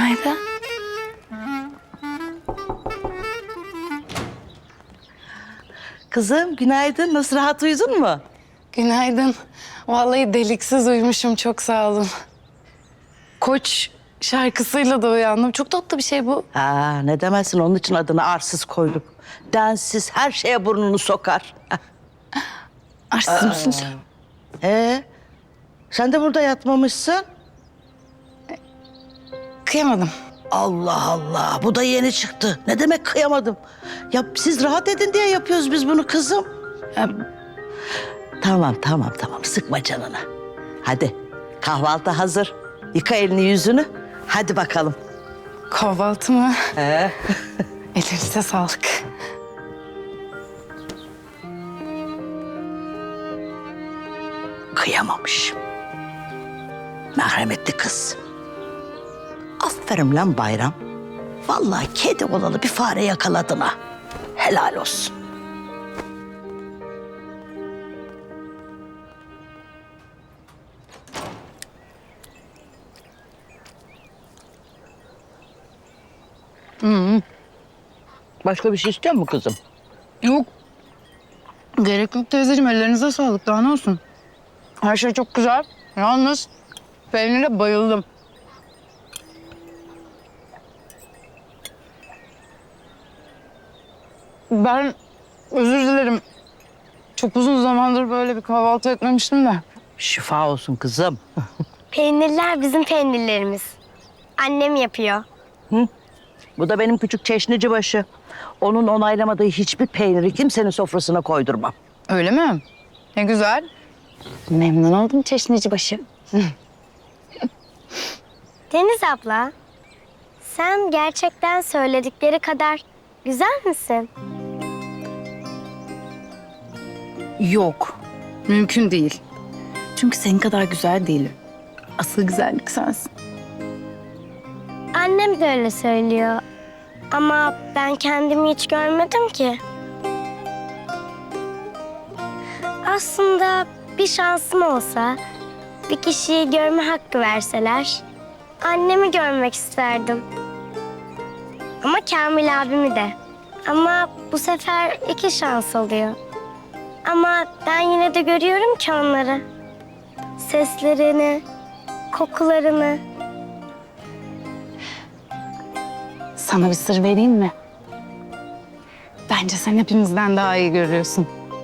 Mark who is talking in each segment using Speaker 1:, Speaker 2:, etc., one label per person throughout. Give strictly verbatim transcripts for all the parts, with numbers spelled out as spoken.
Speaker 1: Günaydın.
Speaker 2: Kızım günaydın. Nasıl, rahat uyudun mu?
Speaker 1: Günaydın. Vallahi deliksiz uyumuşum, çok sağ olun. Koç şarkısıyla da uyandım. Çok tatlı bir şey bu.
Speaker 2: Aa, ne demezsin, onun için adını arsız koyduk. Densiz, her şeye burnunu sokar.
Speaker 1: Arsız mısın sen?
Speaker 2: Ee, sen de burada yatmamışsın.
Speaker 1: Kıyamadım.
Speaker 2: Allah Allah, bu da yeni çıktı. Ne demek kıyamadım? Ya siz rahat edin diye yapıyoruz biz bunu kızım.
Speaker 1: Ya,
Speaker 2: Tamam tamam tamam, sıkma canını. Hadi kahvaltı hazır. Yıka elini yüzünü. Hadi bakalım.
Speaker 1: kahvaltı mı?
Speaker 2: Ee?
Speaker 1: Elinize sağlık.
Speaker 2: Kıyamamış. Merhametli kız. Aferin lan Bayram. Vallahi kedi olalı bir fare yakaladın ha. Helal olsun. Başka bir şey istiyor musun kızım?
Speaker 1: Yok. Gerek yok teyzeciğim, ellerinize sağlık. Daha ne olsun? Her şey çok güzel. Yalnız peynire bayıldım. Ben özür dilerim. Çok uzun zamandır böyle bir kahvaltı etmemiştim de.
Speaker 2: Şifa olsun kızım.
Speaker 3: Peynirler bizim peynirlerimiz. Annem yapıyor.
Speaker 2: Bu da benim küçük çeşnici başı. Onun onaylamadığı hiçbir peyniri kimsenin sofrasına koydurmam.
Speaker 1: Öyle mi? Ne güzel. Memnun oldum çeşnici başı.
Speaker 3: Deniz abla, sen gerçekten söyledikleri kadar güzel misin?
Speaker 1: Yok. Mümkün değil. Çünkü senin kadar güzel değilim. Asıl güzellik sensin.
Speaker 3: Annem de öyle söylüyor. Ama ben kendimi hiç görmedim ki. Aslında bir şansım olsa, bir kişiyi görme hakkı verseler, annemi görmek isterdim. Ama Kamil abimi de. Ama bu sefer iki şans oluyor. Ama ben yine de görüyorum ki onları. Seslerini, kokularını.
Speaker 1: Sana bir sır vereyim mi? Bence sen hepimizden daha iyi görüyorsun.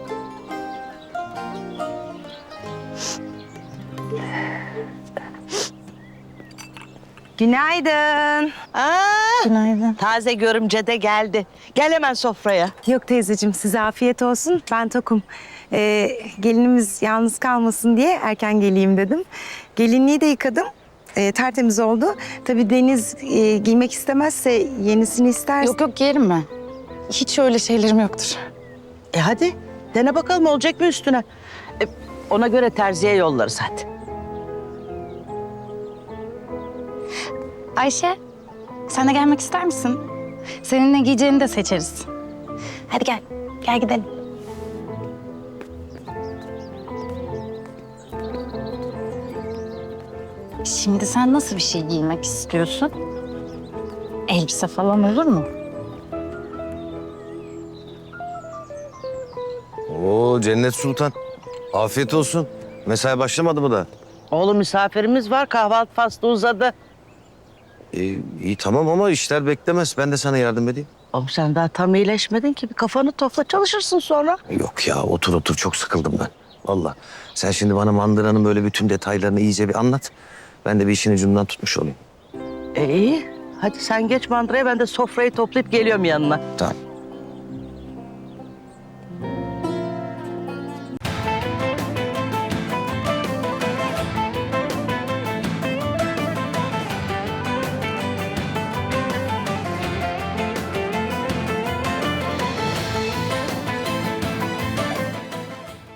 Speaker 4: Günaydın.
Speaker 2: Aa,
Speaker 1: Günaydın.
Speaker 2: taze görümce de geldi. Gel hemen sofraya.
Speaker 4: Yok teyzeciğim, size afiyet olsun. Ben tokum. Ee, gelinimiz yalnız kalmasın diye erken geleyim dedim. Gelinliği de yıkadım. Ee, tertemiz oldu. Tabii Deniz e, giymek istemezse yenisini isterse...
Speaker 1: Yok yok, giyerim ben. Hiç öyle şeylerim yoktur.
Speaker 2: E hadi dene bakalım, olacak mı üstüne? E, ona göre terziye yollarız hadi.
Speaker 1: Ayşe, sen de gelmek ister misin? Senin ne giyeceğini de seçeriz. Hadi gel, gel gidelim. Şimdi sen nasıl bir şey giymek istiyorsun? Elbise falan olur mu?
Speaker 5: Oo Cennet Sultan. Afiyet olsun. Mesai başlamadı mı da?
Speaker 2: Oğlum misafirimiz var, kahvaltı faslı uzadı.
Speaker 5: Ee, iyi tamam ama işler beklemez. Ben de sana yardım edeyim.
Speaker 2: Oğlum sen daha tam iyileşmedin ki, bir kafanı topla, çalışırsın sonra.
Speaker 5: Yok ya otur otur çok sıkıldım ben. Vallahi. Sen şimdi bana mandıranın böyle bütün detaylarını iyice bir anlat. Ben de bir işin ucundan tutmuş olayım.
Speaker 2: E iyi, hadi sen geç mandıraya, ben de sofrayı toplayıp geliyorum yanına.
Speaker 5: Tamam.